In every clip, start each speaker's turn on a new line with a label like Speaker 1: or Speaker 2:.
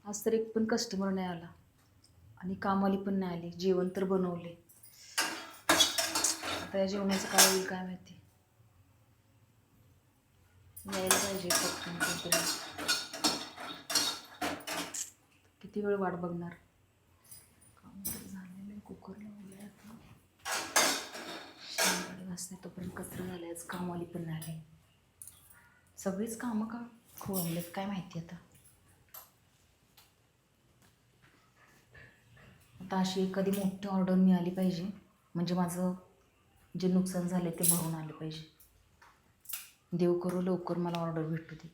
Speaker 1: आज तर एक पण कस्टमर नाही आला आणि कामवाली पण नाही आली. जेवण तर बनवले. आता या जेवणाचं काय होईल काय माहिती. यायला पाहिजे पटकन कोणतरी. किती वेळ वाट बघणार. काम तर झालेलं आहे. कुकर लावले आता. शेंगाडे घासते तोपर्यंत कचरा झालाय. आज कामवाली पण नाही आली. सगळीच कामं का खोळंबलेत काय माहिती आता. आता अशी एखादी मोठी ऑर्डर मिळाली पाहिजे म्हणजे माझं जे नुकसान झाले ते भरून आलं पाहिजे. देव करू लवकर मला ऑर्डर भेटू दे.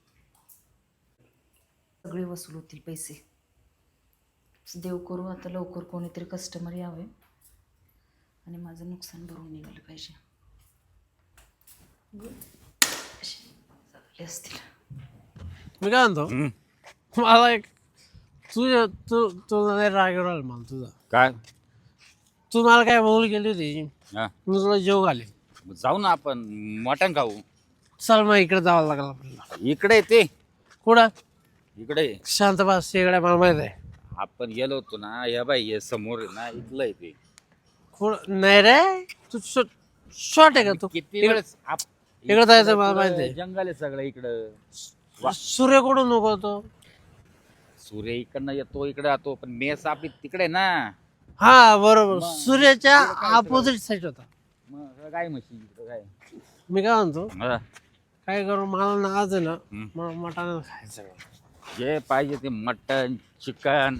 Speaker 1: सगळे वसूल होतील पैसे. देव करू आता लवकर कोणीतरी कस्टमर यावे आणि माझं नुकसान भरून निघालं पाहिजे. झाले असतील.
Speaker 2: मी काय म्हणतो मला एक तुला राग राहिला मला तुझा
Speaker 3: काय
Speaker 2: तू मला काय बोल गेली होती
Speaker 3: हा
Speaker 2: मी तुला जेव घाले
Speaker 3: जाऊ ना आपण मटण खाऊ.
Speaker 2: चल मग इकडे जावं लागलं आपल्याला.
Speaker 3: इकडे ते
Speaker 2: कुठं
Speaker 3: इकडे
Speaker 2: शांत बस शेगड्या मला माहित आहे.
Speaker 3: आपण गेलो होतो ना या बाई हे समोर आहे ना इथलं आहे ते.
Speaker 2: कुठं नाही रे तू शॉर्ट आहे का तू
Speaker 3: किती वेळेस
Speaker 2: इकडे जायचं मला माहित आहे.
Speaker 3: जंगल आहे सगळं इकडं.
Speaker 2: सूर्य कुठून नको तो
Speaker 3: सूर्य इकडनं येतो इकडे जातो पण मेस आपली तिकडे ना.
Speaker 2: हा बरोबर सूर्याच्या अपोजिट साईड होता.
Speaker 3: मग काय म्हशी इकडं काय.
Speaker 2: मी काय म्हणतो
Speaker 3: हा.
Speaker 2: काय करू मला ना आज आहे ना
Speaker 3: हम्म.
Speaker 2: मला मटण खायचं.
Speaker 3: जे पाहिजे ते मटण चिकन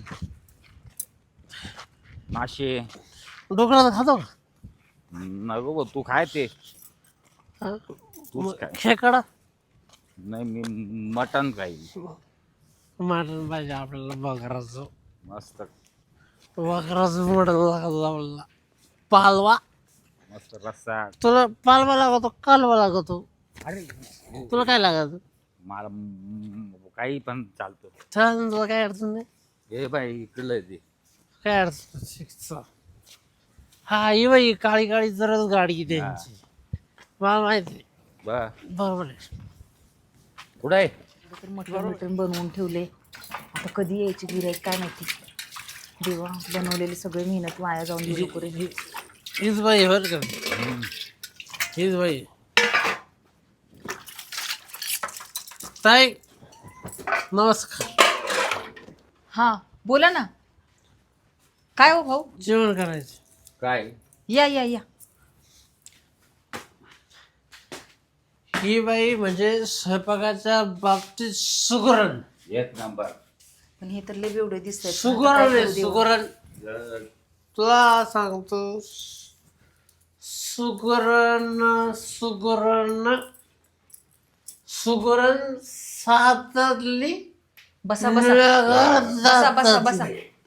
Speaker 3: मासे
Speaker 2: डोकळा खातो का
Speaker 3: नको भाऊ, तू खाय ते.
Speaker 2: हा?
Speaker 3: तूच काय
Speaker 2: खेकडा
Speaker 3: नाही मी मटण खाईल.
Speaker 2: मटण पाहिजे आपल्याला बकराचं.
Speaker 3: मस्त
Speaker 2: बकराचं मटण लागतं आपल्याला. पालवा
Speaker 3: मस्त रस्सा.
Speaker 2: तुला पालवा लागतो कालवा लागतो
Speaker 3: अरे
Speaker 2: तुला काय लागत
Speaker 3: मला काही पण चालतं.
Speaker 2: छान तुला काय अडचण नाही
Speaker 3: हे बाई इकडलं ते.
Speaker 2: काय अडचण नाही. शिकचा. हा ही बाई काळी काळी जरच गाडी त्यांची मला माहिती आहे. बरोबर आहे.
Speaker 3: कुठं आहे
Speaker 1: तर मटण बनवून ठेवले. आता कधी यायची गिऱ्हाईक काय माहिती. देवा बनवलेली सगळे मेहनत वाया जाऊन गेली पुरे.
Speaker 2: हीच बाई बर का हीच बाई ताई नमस्कार.
Speaker 1: हां बोला ना. काय हो भाऊ.
Speaker 2: जेवण करायचं.
Speaker 3: काय
Speaker 1: या या या.
Speaker 2: ही बाई म्हणजे स्वयंपाकाच्या बाबतीत सुगरण.
Speaker 3: एक नंबर.
Speaker 1: पण हे तर लय बेवडे दिसतात.
Speaker 2: सुगरण आहे सुगरण. तुला सांगतो सुगरण सुगरण सुगरण सातातली
Speaker 1: बसा बसा बसा बसा.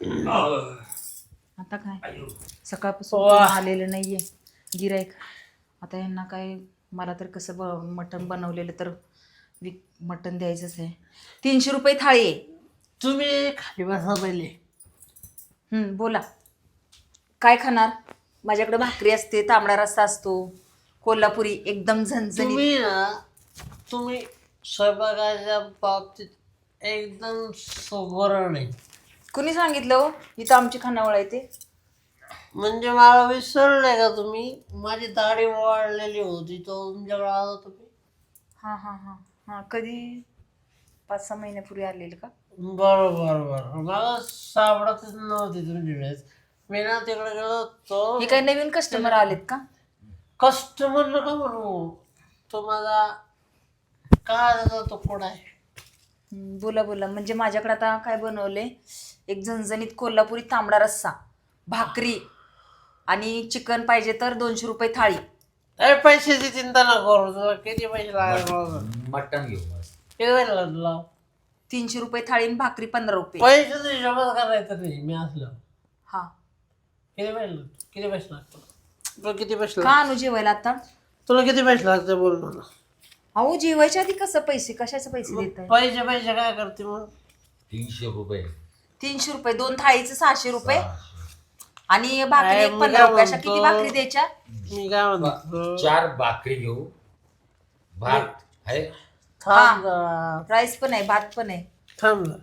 Speaker 1: आता काय सकाळपासून कोण आलेलं नाहीये गिराईक. आता यांना काय मला तर कसं मटण बनवलेलं तर मटण द्यायचंच आहे. 300 रुपये थाळी आहे.
Speaker 2: तुम्ही खाली बसा पहिले.
Speaker 1: बोला काय खाणार. माझ्याकडे भाकरी असते तांबडा रस्सा असतो कोल्हापुरी एकदम झणझणीत.
Speaker 2: तुम्ही ना तुम्ही स्वयंपाकाच्या बाबतीत एकदम सुगरण आहे.
Speaker 1: कुणी सांगितलं हो इथं आमची खानावळ आहे ते.
Speaker 2: म्हणजे मला विसरलंय का तुम्ही. माझी दाढी वाढलेली होती तो तुमच्याकडे आला तुम्ही.
Speaker 1: हां हां हां हां कधी 5-6 महिन्यापूर्वी आलेलं का.
Speaker 2: बरोबर बरोबर मला सापडतच नव्हती तुमची ड्रेस. मी ना तिकडे गेलो होतो.
Speaker 1: हे काही नवीन कस्टमर आलेत का.
Speaker 2: कस्टमर नका म्हणू तो माझा काय त्याचा तो कोडा आहे.
Speaker 1: बोला बोला. म्हणजे माझ्याकडे आता काय बनवले एक झणझणीत कोल्हापुरी तांबडा रस्सा भाकरी आणि चिकन पाहिजे तर 200 रुपये थाळी.
Speaker 2: अरे पैशाची चिंता न करू. तुला किती पैसे लागले
Speaker 3: मटण घेऊ मस्त.
Speaker 2: किती पैसे लागले तुला.
Speaker 1: 300 रुपये थाळी आणि भाकरी 15 रुपये.
Speaker 2: पैशाचा हिशोबात करायचं नाही मी असलं.
Speaker 1: हा
Speaker 2: किती पैसे लागतात तुला किती पैसे
Speaker 1: का आणू जेवायला आता.
Speaker 2: तुला किती पैसे लागते बोल मला.
Speaker 1: अहो जेवायच्या आधी कसं पैसे कशाचे पैसे देत आहे.
Speaker 2: पैसे काय करते मग.
Speaker 3: 300 रुपये.
Speaker 1: 300 रुपये 2 थाळीचं 600 रुपये आणि भाकरी एक 15 रुपये. अशा किती भाकरी द्यायच्या.
Speaker 2: मी काय म्हणतो
Speaker 3: 4 भाकरी घेऊ. भात आहे.
Speaker 2: थांब
Speaker 1: राईस पण आहे भात पण आहे.
Speaker 2: थांब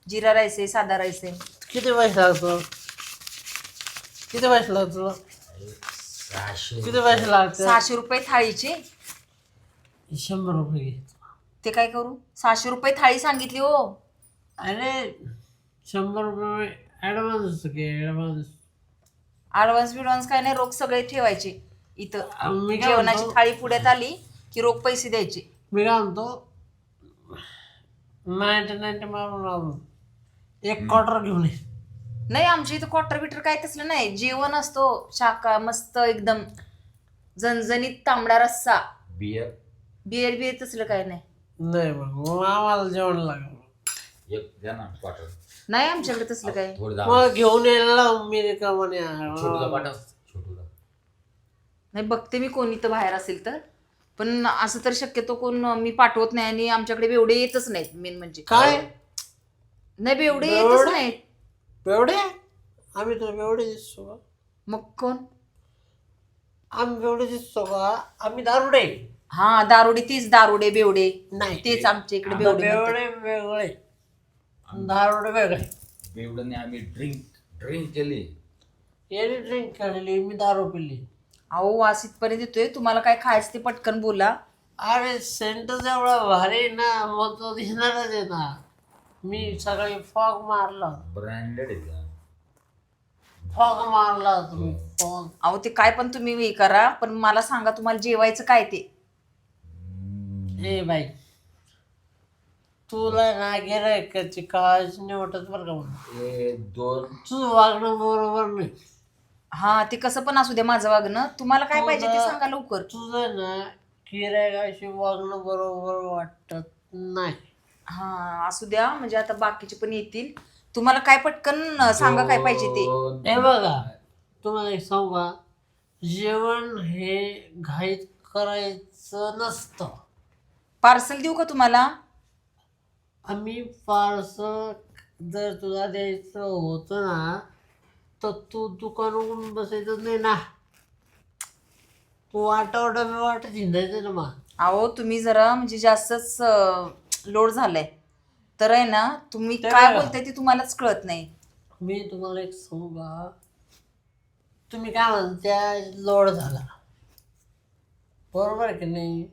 Speaker 1: जिरा राईस आहे, साधा राईस आहे.
Speaker 2: किती पैसे लागतो? किती पैसे लागतो? किती पैसे लागतात?
Speaker 1: 600 रुपये थाळीचे.
Speaker 2: 100 रुपये घे.
Speaker 1: ते काय करू? 600 रुपये थाळी सांगितली हो.
Speaker 2: अरे 100 रुपये ॲडव्हान्स घे, ॲडव्हान्स.
Speaker 1: ॲडव्हान्स बिडव्हान्स काय नाही, रोख सगळे ठेवायचे इथं.
Speaker 2: मी काय
Speaker 1: जेवणाची
Speaker 2: म्हणतो?
Speaker 1: थाळी पुढ्यात आली की रोख पैसे द्यायचे.
Speaker 2: मी काय म्हणतो, 90 मारून आणून एक क्वार्टर घेऊन ये.
Speaker 1: नाही, आमच्या इथं क्वार्टर बिटर काय तसलं नाही. जेवण असतो शाका मस्त एकदम झणझणीत, तांबडा रस्सा,
Speaker 3: बियर
Speaker 1: बिअर बिअर तसलं काय नाही.
Speaker 2: नाही मग आम्हाला जेवण लागलं.
Speaker 3: एक द्या ना क्वार्टर.
Speaker 1: नाही आमच्याकडे तसलं काय.
Speaker 3: थोडं जा.
Speaker 2: मग घेऊन यायला मी रिकामाने
Speaker 3: छोटूला पाठव. छोटूला.
Speaker 1: नाही, बघते मी कोणी तर बाहेर असेल तर. पण असं तर शक्यतो कोण मी पाठवत नाही. आणि आमच्याकडे बेवडे येतच नाहीत. मेन म्हणजे
Speaker 2: काय
Speaker 1: नाही, बेवडे येतच नाहीत.
Speaker 2: बेवडे? आम्ही तर बेवडे दिसतो का?
Speaker 1: मग कोण?
Speaker 2: आम्ही बेवडे दिसतो का? आम्ही दारुडे.
Speaker 1: हा, दारुडे. तीच दारुडे बेवडे
Speaker 2: नाही,
Speaker 1: तेच आमच्या इकडे
Speaker 2: आता
Speaker 1: बेवडे म्हणतात.
Speaker 2: बेवडे वेगळे, दारुडे वेगळे.
Speaker 3: बेवड्याने आम्ही ड्रिंक केली.
Speaker 2: याने ड्रिंक केलेली, मी दारू पिली.
Speaker 1: अहो, वास इथपर्यंत येतोय. तुम्हाला काय खायचं ते पटकन बोला.
Speaker 2: अरे सेंटच एवढा भारी आहे ना, मग तो दिसणारच आहे ना. मी सकाळी फॉग मारला,
Speaker 3: ब्रँडेड आहे.
Speaker 2: फॉग मारला तुम्ही, फॉग.
Speaker 1: अहो, ते काय पण तुम्ही हे करा, पण मला सांगा तुम्हाला जेवायचं काय ते.
Speaker 2: ए बाई, तुला ना गिरायकाची काळजी नाही वाटत बरं का म्हणून.
Speaker 3: दोन
Speaker 2: तुझं वागणं बरोबर नाही.
Speaker 1: हा, ते कसं पण असू द्या माझं वागणं. तुम्हाला काय पाहिजे ते सांगा लवकर.
Speaker 2: तुझं ना गिरायकाशी वागणं बरोबर वाटत नाही.
Speaker 1: हा, असू द्या. म्हणजे आता बाकीचे पण येतील. तुम्हाला काय पटकन सांगा काय पाहिजे ते.
Speaker 2: हे बघा, तुम्हाला एक सांगू का, जेवण हे घाईत करायचं नसतं.
Speaker 1: पार्सल देऊ का तुम्हाला?
Speaker 2: आम्ही पार्सल जर तुला द्यायचं होतं ना, तर तू दुकान उघडून बसायचं नाही ना. तू वाटत हिंडायचं ना मग.
Speaker 1: अहो, तुम्ही जरा म्हणजे जास्तच लोड झालाय. तर आहे ना, तुम्ही काय बोलताय ते तुम्हालाच कळत नाही.
Speaker 2: मी तुम्हाला एक सांगू का, तुम्ही काय म्हणत्या लोड झाला, बरोबर आहे की नाही?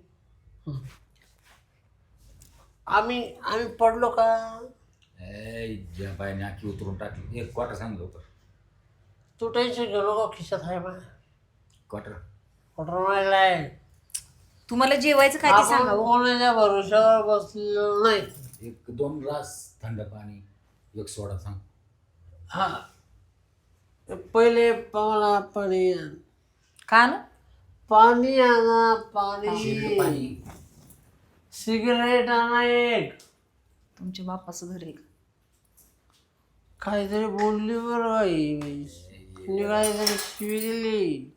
Speaker 2: आम्ही पडलो का?
Speaker 3: ज्या बाईने आखी उतरून टाकली. एक क्वार्टर सांगितलं होतं.
Speaker 2: तू टेन्शन घेऊ नको, खिशात आहे माझ्या
Speaker 3: क्वार्टर
Speaker 2: ऑर्डर मारलाय.
Speaker 1: तुम्हाला जेवायचं काय ते सांगा हो.
Speaker 2: कोणाच्या भरोशावर बसलेलो नाही.
Speaker 3: एक 2 ग्लास थंड पाणी, एक सोडा सांग.
Speaker 2: हा, पहिले मला पाणी आण.
Speaker 1: का ना?
Speaker 2: पाणी आणा, पाणी. सिगरेट आणा एक.
Speaker 1: तुमच्या बापाचं घर आहे.
Speaker 2: काहीतरी बोलली बरं बाई, काहीतरी शिवी दिली.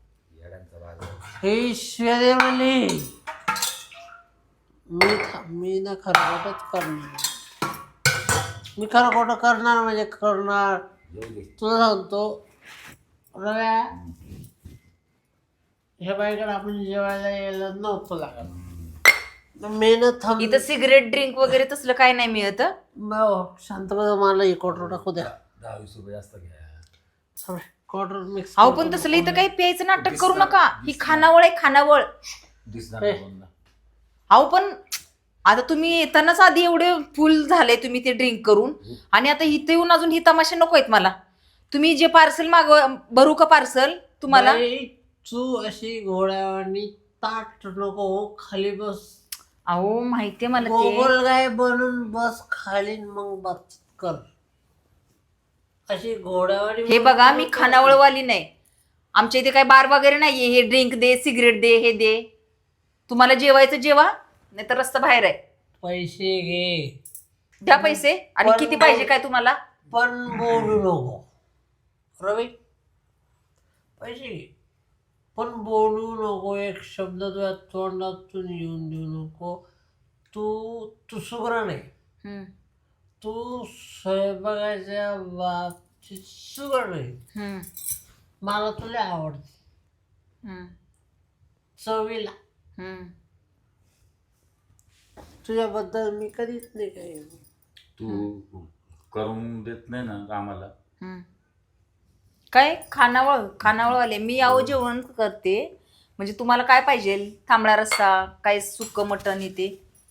Speaker 2: हे शिव्या दे म्हणली. मी ना खरं खोटंच करणार. मी खरं खोटं करणार म्हणजे करणार. तुला सांगतो रव्या, ह्या बाईकडे आपण जेवायला यायला नव्हतं लागत. मेहनत
Speaker 1: इथं सिगरेट ड्रिंक वगैरे तसलं काय नाही मिळत.
Speaker 2: शांतपणे मला एक क्वार्टर टाकू द्या.
Speaker 3: 10-20 रुपये जास्त घ्या.
Speaker 2: Quarter mix.
Speaker 1: अहो, पण तसलं इथं काही प्यायचं नाटक करू नका. ही खानावळ आहे, खानावळ.
Speaker 3: दिसणार
Speaker 1: अहो, पण आता तुम्ही येतानाच आधी एवढे फुल झाले तुम्ही ते ड्रिंक करून, आणि आता इथे येऊन अजून ही तमाशा नको आहेत मला. तुम्ही जे पार्सल भरू का पार्सल तुम्हाला?
Speaker 2: तू अशी घोड्यावानी ताट नको, खाली बस.
Speaker 1: अहो, माहितीये मला ते.
Speaker 2: गोगलगाय बनून बस खाली, मग बस कर अशी घोड्यावानी.
Speaker 1: हे बघा, मी खानावळवाली नाही. आमच्या इथे काय बार वगैरे नाहीये. हे ड्रिंक दे, सिगरेट दे, हे दे. तुम्हाला जेवायचं जेवा, नाही तर रस्ता बाहेर आहे.
Speaker 2: पैसे घे,
Speaker 1: द्या पैसे. आणि किती पाहिजे काय तुम्हाला?
Speaker 2: पण बोलू नको रवी. पैसे घे पण बोलू नको. एक शब्द तुझ्या तोंडातून येऊन देऊ नको. तू सुग्रण आहे. तू स्वयंपाकाच्या बाबतीत सुग्रण आहे. मला तुला आवडते चवीला. तुझ्याबद्दल मी कधीच नाही काही.
Speaker 3: तू करून देत नाही ना कामाला.
Speaker 1: हम्म. काय खानावळ आले मी आहो जेवण करते म्हणजे तुम्हाला काय पाहिजे तांबडा रस्सा काय सुक्क मटण येते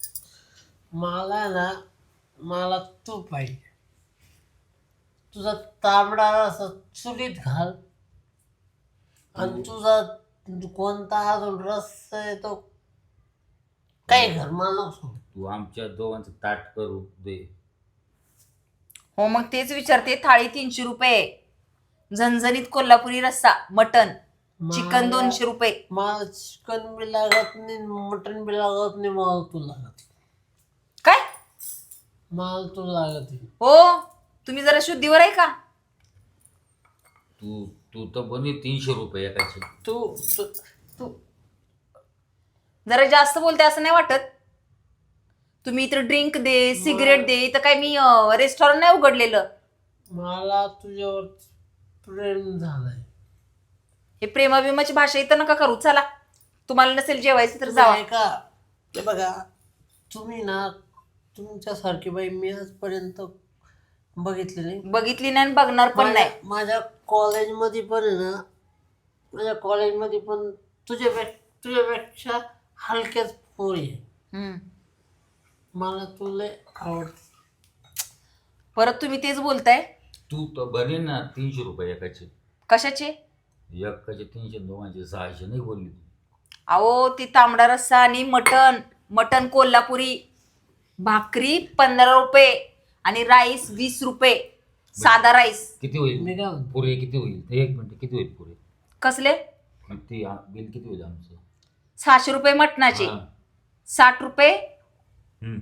Speaker 2: मला तू पाहिजे. तुझा तांबडा रस्सा चुलीत घाल आणि तुझा कोणता अजून रस्सा आहे तो काय घर मला नको सांगू.
Speaker 3: तू आमच्या दोघांचं ताट करू दे.
Speaker 1: हो मग तेच विचारते थाळी 300 रुपये झणझणीत कोल्हापुरी रस्सा मटण चिकन 200 रुपये.
Speaker 2: मला चिकन बी लागत नाही मटन बी लागत नाही मला तू लागत.
Speaker 1: काय
Speaker 2: मला तू लागत.
Speaker 1: हो तुम्ही जरा शुद्धीवर आहे का
Speaker 3: तू तू तर बनी 300 रुपये एकाचे.
Speaker 2: तू तू तू
Speaker 1: जरा जास्त बोलते असं नाही वाटत तुम्ही इतर ड्रिंक दे सिगरेट दे इथं काय मी रेस्टॉरंट नाही उघडलेलं.
Speaker 2: मला तुझ्यावर प्रेम झालंय.
Speaker 1: हे प्रेमाभिमाची भाषा इथं नका करू चला तुम्हाला नसेल जेवायचं तर जावा.
Speaker 2: आहे का ते बघा तुम्ही ना तुमच्यासारखी बाई मी आजपर्यंत बघितली नाही
Speaker 1: बघितली नाही आणि बघणार पण नाही.
Speaker 2: माझ्या कॉलेजमध्ये पण आहे ना माझ्या कॉलेजमध्ये पण तुझ्यापेक्षा हलक्याच पोरी आहे.
Speaker 1: हम्म.
Speaker 2: मला तुला आवडत.
Speaker 1: परत तुम्ही तेच बोलताय
Speaker 3: तू तर बने ना 300 रुपये एकाचे.
Speaker 1: कशाचे
Speaker 3: एकाचे 300 दोघांचे 600 नाही बोलली तू.
Speaker 1: अहो ती तांबडा रस्सा आणि मटण कोल्हापुरी भाकरी 15 रुपये आणि राईस 20 रुपये साधा राईस.
Speaker 3: किती होईल
Speaker 2: मी काय म्हणतो
Speaker 3: पुरे किती होईल ते 1 मिनिट किती होईल पुरे
Speaker 1: कसले
Speaker 3: मग ते बिल किती होईल आमचं.
Speaker 1: 600 रुपये मटणाचे
Speaker 3: हा.
Speaker 1: 60 रुपये
Speaker 3: हम्म.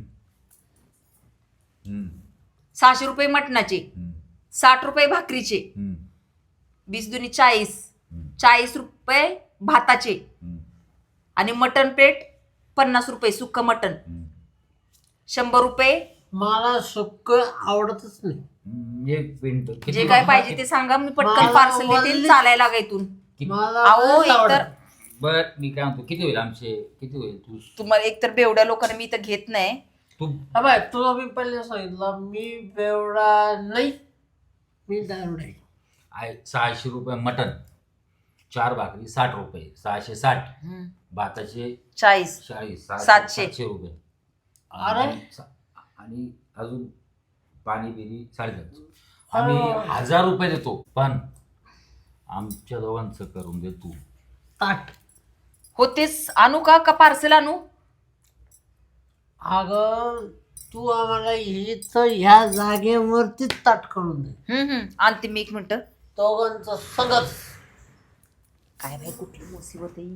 Speaker 3: हम्म.
Speaker 1: 600 रुपये मटणाचे
Speaker 3: हम्म.
Speaker 1: 60 रुपये भाकरीचे
Speaker 3: हम्म.
Speaker 1: 20 दुनी 40
Speaker 3: हम्म.
Speaker 1: 40 रुपये भाताचे
Speaker 3: हम्म.
Speaker 1: आणि मटण प्लेट 50 रुपये सुक्क मटण
Speaker 3: हम्म.
Speaker 1: 100 रुपये.
Speaker 2: मला सुक्क आवडतच नाही.
Speaker 3: एक मिनिट किती
Speaker 1: जे काय पाहिजे ते सांगा मी पटकन
Speaker 2: मला
Speaker 1: पार्सल देते
Speaker 2: वल्ली-
Speaker 1: चालायला लागा इथून.
Speaker 2: मला
Speaker 1: अहो
Speaker 2: लयच
Speaker 1: एकतर
Speaker 2: आवडतं.
Speaker 3: बर मी काय म्हणतो किती होईल आमचे किती होईल तू
Speaker 1: तुम्हाला एकतर बेवड्या लोकांना मी इथं घेत नाही.
Speaker 3: तू
Speaker 2: हा बाय तुला मी पहिले सांगितलं मी बेवडा नाही मी दारुड आहे.
Speaker 3: 600 रुपये मटन 4 भाकरी 60 रुपये 660 भाताचे
Speaker 1: 40
Speaker 3: 40
Speaker 1: 700.
Speaker 3: 700 रुपये
Speaker 2: अरे.
Speaker 3: आणि अजून पाणी बिरी 750. आम्ही 1000 रुपये देतो पण आमच्या दोघांचं करून दे तू.
Speaker 2: ताट
Speaker 1: हो तेच आणू का पार्सल आणू.
Speaker 2: अगं तू आम्हाला इथं ह्या जागेवरतीच ताट करून दे.
Speaker 1: आणते मी 1 मिनिट.
Speaker 2: दोघांचं सगळंच.
Speaker 1: काय बाई कुठली मुसीबत आहे.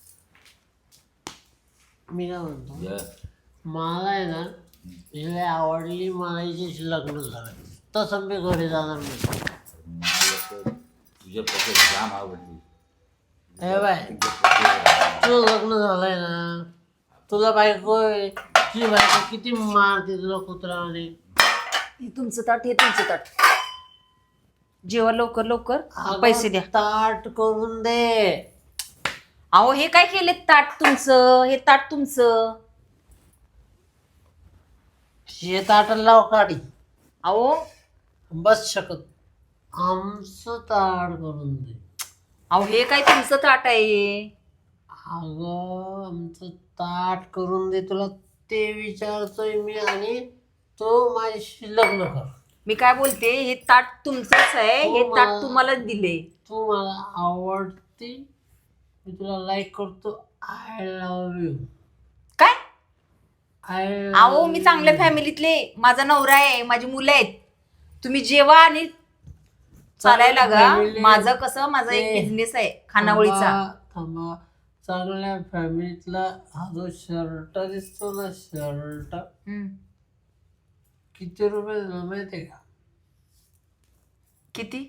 Speaker 2: मी काय म्हणतो
Speaker 3: या.
Speaker 2: मला आहे ना हिला आवडली मला हिच्याशी लग्न झालं तसं मी घरी जाणार नाही.
Speaker 3: मला तर तुझ्यापेक्षा जाम आवडली.
Speaker 2: हे बाय तुझं लग्न झालंय ना तुला बायको आहे तुझी बायको किती मारते तुला कुत्र्याने.
Speaker 1: हे तुमचं ताट हे तुमचं ताट जेव्हा लवकर लवकर
Speaker 2: अगं,
Speaker 1: पैसे द्या.
Speaker 2: ताट करून दे.
Speaker 1: अहो हे काय केले ताट तुमचं हे ताट तुमचं.
Speaker 2: हे ताट लाव काढी
Speaker 1: अहो
Speaker 2: बस शकत आमचं ताट करून दे.
Speaker 1: अहो हे काय तुमचं ताट आहे.
Speaker 2: अगं आमचं ताट करून दे तुला ते विचारतोय मी आणि तो माझ्याशी लग्न कर.
Speaker 1: मी काय बोलते हे ताट तुमचंच आहे हे
Speaker 2: हो,
Speaker 1: ताट
Speaker 2: मा-
Speaker 1: तुम्हाला दिले.
Speaker 2: तू मला आवडते मी तुला लाईक करतो. I love you.
Speaker 1: काय
Speaker 2: आय
Speaker 1: अहो मी चांगल्या फॅमिलीतले माझा नवरा आहे माझी मुलं आहेत. तुम्ही जेवा आणि चालायला लागा.
Speaker 2: family-
Speaker 1: माझं कसं माझा एक
Speaker 2: ते-
Speaker 1: बिझनेस आहे खानावळीचा.
Speaker 2: थांबा चांगल्या फॅमिलीतला हा जो शर्ट दिसतो ना शर्ट किती रुपये झाला माहितीये का.
Speaker 1: किती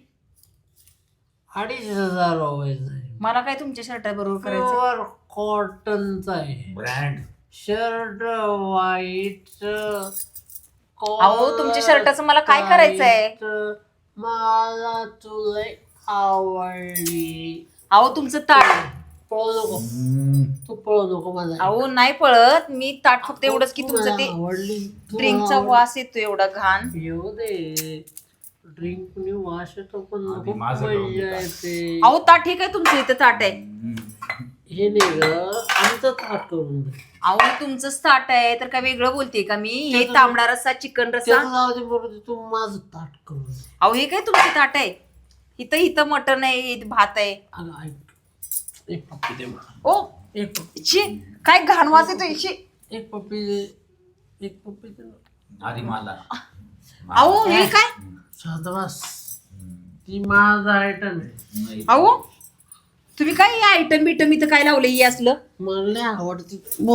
Speaker 2: 2500 रुपयाचा आहे.
Speaker 1: मला काय तुमच्या शर्टा बरोबर करायचं.
Speaker 2: प्युअर कॉटनचा आहे
Speaker 3: ब्रँड
Speaker 2: शर्ट व्हाईट.
Speaker 1: अहो तुमच्या शर्टाचं मला काय करायचंय.
Speaker 2: मला तुला आवडली.
Speaker 1: अहो तुमचं ताट
Speaker 2: पळू नको, तू पळू नको माझा.
Speaker 1: अहो नाही पळत मी, ताट फक्त एवढंच की तुमचं ते
Speaker 2: आवडली
Speaker 1: ड्रिंकचा वास येतो एवढा घाण.
Speaker 2: येऊ दे, ड्रिंक कुणी वास येतो पण
Speaker 3: आधी
Speaker 2: खूप
Speaker 3: माझं करून
Speaker 2: मजा
Speaker 3: दे.
Speaker 2: येते.
Speaker 1: अहो ताट ठीक आहे तुमचं, इथं ताट आहे.
Speaker 2: हे नाही ग, आमचं ताट करून दे.
Speaker 1: अहो तुमचंच ताट आहे तर काय वेगळं बोलते का मी? हे तांबडा रस्सा, चिकन रस्सा.
Speaker 2: त्याचं जाऊ दे, बरोबर तू माझं ताट करून दे.
Speaker 1: अहो हे काय तुमचं ताट आहे? इथं इथं मटण आहे, इथं भात आहे.
Speaker 2: अगं ऐक, एक पप्पी दे मला.
Speaker 1: ओ
Speaker 2: एक पप्पी,
Speaker 1: शी, काय घाण वास येतो शी.
Speaker 2: एक पप्पी दे, एक पप्पी दे ना.
Speaker 3: आधी मला
Speaker 1: अहो हे काय?
Speaker 2: शाबास, ती माझा आयटम आहे.
Speaker 3: नाही.
Speaker 1: अहो तुम्ही काय आयटम बिटम इथं काय लावलं हे असलं?
Speaker 2: मला लय आवडते.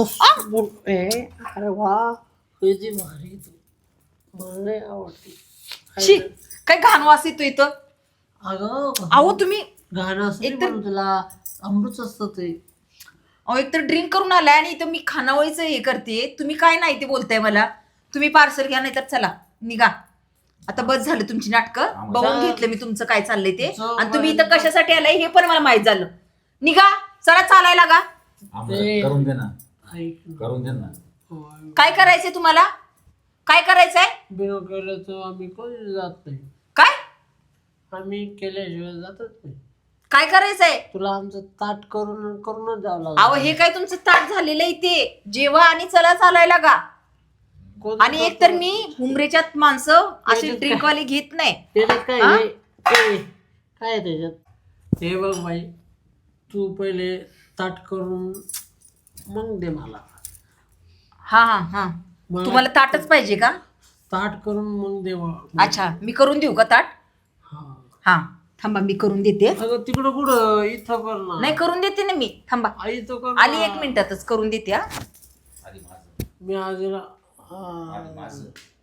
Speaker 2: अरे वा, किती भारी तू, मला लय आवडते.
Speaker 1: शी, काय घाण वास येतो इथं?
Speaker 2: अगं
Speaker 1: अहो तुम्ही
Speaker 2: गाणं असं
Speaker 1: एकतर-
Speaker 2: म्हणून तुला अमृत असतं ते.
Speaker 1: अहो एक तर ड्रिंक करून आलाय आणि इथं मी खानावळीचं हे करते. तुम्ही काय नाही ते बोलताय मला. तुम्ही पार्सल घ्या नाही तर चला निघा. आता बस झालं तुमची नाटकं. बघून घेतलं मी तुमचं काय चाललंय ते. आणि तुम्ही इथं कशासाठी आलाय हे पण मला माहित झालं. निघा, चला चालायला लागा.
Speaker 3: आम्हाला करून दे ना,
Speaker 2: ऐक ना.
Speaker 3: करून दे ना.
Speaker 1: काय करायचंय तुम्हाला? काय करायचंय?
Speaker 2: बिना केलं तर आम्ही कोणी जात नाही.
Speaker 1: काय
Speaker 2: आम्ही केल्याशिवाय जातच नाही.
Speaker 1: काय करायचंय?
Speaker 2: तुला आमचं ताट करूनच जावं
Speaker 1: अहो
Speaker 2: लागलं.
Speaker 1: हे काय तुमचं ताट झालेलं आहे ते. जेवा आणि चला चालायला लागा.
Speaker 2: कोण
Speaker 1: आणि एक तर मी हुमरेच्यात माणसं अशी
Speaker 2: त्याच्यात
Speaker 1: ड्रिंक वाली घेत नाही.
Speaker 2: त्याच्यात काय
Speaker 1: हा?
Speaker 2: काय आहे त्याच्यात? हे बघ बाई, तू पहिले ताट करून मग दे मला.
Speaker 1: हा हा हा,
Speaker 2: मला
Speaker 1: तुम्हाला ताटच पाहिजे का?
Speaker 2: ताट करून मग दे बा.
Speaker 1: अच्छा, मी करून देऊ का ताट?
Speaker 2: हा.
Speaker 1: हा थांबा, मी करून देते.
Speaker 2: अगं तिकडं कुठं, इथं कर ना.
Speaker 1: नाही करून देते ना मी. थांबा,
Speaker 2: आई तो कर ना.
Speaker 1: आली 1 मिनिटातच करून देते. हा
Speaker 3: आधी माझं,
Speaker 2: मी आजीला
Speaker 3: आधी माझं,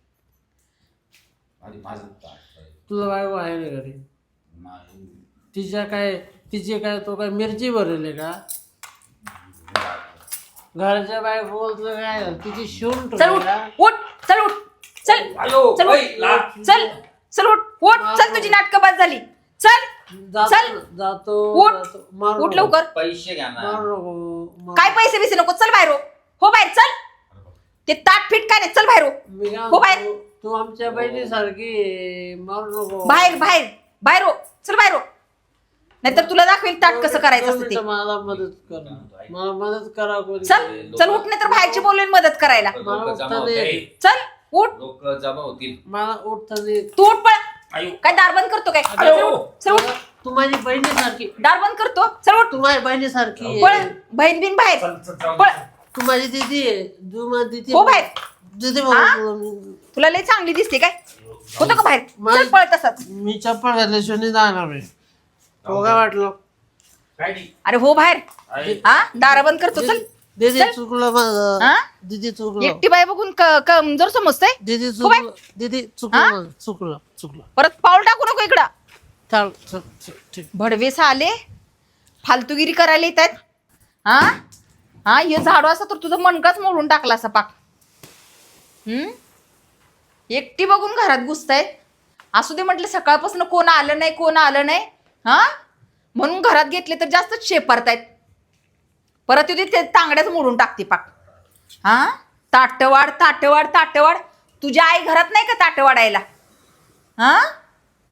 Speaker 3: आधी माझं ताट.
Speaker 2: तुझा बायको आहे ना घरी?
Speaker 3: नाही.
Speaker 2: तिचे काय तो काय मिरची भरेल का? घरच्या बायको बोलतो काय तिची शिवून
Speaker 1: चल
Speaker 2: ठेवली
Speaker 1: उठ,
Speaker 2: का?
Speaker 1: उठ, चल उठ, चल
Speaker 3: आयो,
Speaker 1: चल
Speaker 3: ओय,
Speaker 1: उठ,
Speaker 3: ला.
Speaker 1: चल चल उठ, उठ, चल तुझी नाटकं बाद झाली. चल चल.
Speaker 2: जातो
Speaker 1: उठ.
Speaker 2: जातो. मारू
Speaker 1: उठ
Speaker 2: नको.
Speaker 1: लवकर.
Speaker 3: पैसे घ्या ना.
Speaker 2: मारू नको.
Speaker 1: काय पैसे बिसे नको. चल बाहेर हो, बाहेर चल. ते ताट फिट काय नाही, चल बाहेर
Speaker 2: मी काय
Speaker 1: हो बाहेर.
Speaker 2: म्हणतो, तू आमच्या बहिणीसारखी मारू नको.
Speaker 1: बाहेर बाहेर बाहेर हो, चल बाहेर हो. नाहीतर तुला दाखवेल ताट कसं करायचं असतं ते.
Speaker 2: मला मदत कर, मला मदत करा कोणी.
Speaker 1: चल चल उठ, नाही तर बाहेरची बोलवेल मदत करायला.
Speaker 3: लोक जमा होतील.
Speaker 1: चल उठ,
Speaker 3: लोक जमा होतील.
Speaker 2: मला उठता दे.
Speaker 1: तू उठ पळ.
Speaker 3: आयो.
Speaker 1: काय दार बंद करतो काय?
Speaker 2: अगं,
Speaker 1: चल उठ, चल उठ,
Speaker 2: तू माझी बहिणीसारखी,
Speaker 1: दार बंद करतो. चल उठ,
Speaker 2: तू माझी बहिणीसारखी
Speaker 1: पळ.
Speaker 2: आहे.
Speaker 1: बहीण बिन बाहेर
Speaker 3: चल, चल, जाऊ
Speaker 1: पळ.
Speaker 3: दे.
Speaker 2: तू माझी दीदी आहे. तू माझी दीदी
Speaker 1: हो बाहेर.
Speaker 2: दीदी
Speaker 1: हा?
Speaker 2: म्हणून
Speaker 1: तुला लय चांगली दिसते काय? होतं का बाहेर?
Speaker 2: माझी-
Speaker 1: चल पळ तसाच.
Speaker 2: मी चप्पल घातल्याशिवाय नाही जाणार आहे. हो काय वाटलं?
Speaker 3: काय नाही.
Speaker 1: अरे हो बाहेर.
Speaker 3: आहे.
Speaker 1: हा दार बंद करतो. चल
Speaker 2: दीदी
Speaker 1: चल.
Speaker 2: चुकलं माझं.
Speaker 1: हा?
Speaker 2: दीदी चुकलं.
Speaker 1: एकटी बाय बघून कमजोर समजतंय.
Speaker 2: दीदी
Speaker 1: हो बाय.
Speaker 2: चुकलं. दीदी
Speaker 1: हा?
Speaker 2: चुकलं माझं. चुकलं.
Speaker 1: परत पाऊल टाकू नको इकडं.
Speaker 2: चल चल चल, ठीक.
Speaker 1: भडवेस आले, फालतूगिरी करायला येत आहेत. हा हा, हे झाडू असं तर तुझं मनकाच मोडून टाकला असा पाक. एकटी बघून घरात घुसतायत. असू दे म्हटलं, सकाळपासून कोण आलं नाही. हा म्हणून घरात घेतले तर जास्तच शेपारतायत. परत येते ते तांगड्याच मोडून टाकते पाक. हा ताटवाड. तुझ्या आई घरात नाही का ताट वाढायला? हा